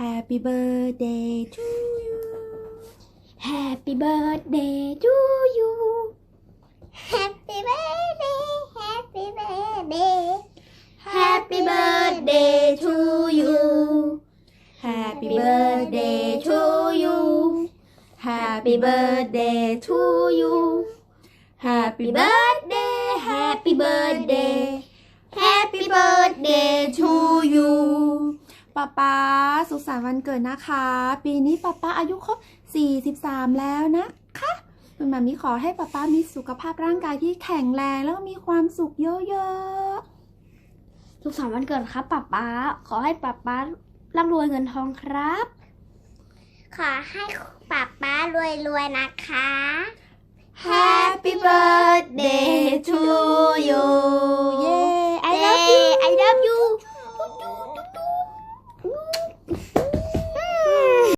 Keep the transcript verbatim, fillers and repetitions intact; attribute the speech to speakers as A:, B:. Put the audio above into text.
A: Happy birthday to you
B: Happy birthday to you
C: Happy birthday Happy birthday
B: Happy birthday to you
A: Happy birthday to you Happy birthday to you Happy birthday Happy birthday Happy birthday to you ป๊าป๊าสุขสันต์วันเกิดนะคะปีนี้ป๊าป๊าอายุครบสี่สิบสามแล้วนะคะคุณหมามิขอให้ป๊าป๊ามีสุขภาพร่างกายที่แข็งแรงแล้วก็มีความสุขเยอะๆ
B: สุขสันต์วันเกิดครับป๊าป๊าขอให้ป๊าป๊าร่ำรวยเงินทองครับ
C: ขอให้ป๊าป๊ารวยๆนะคะ
A: Happy birthday to you เย้ I love you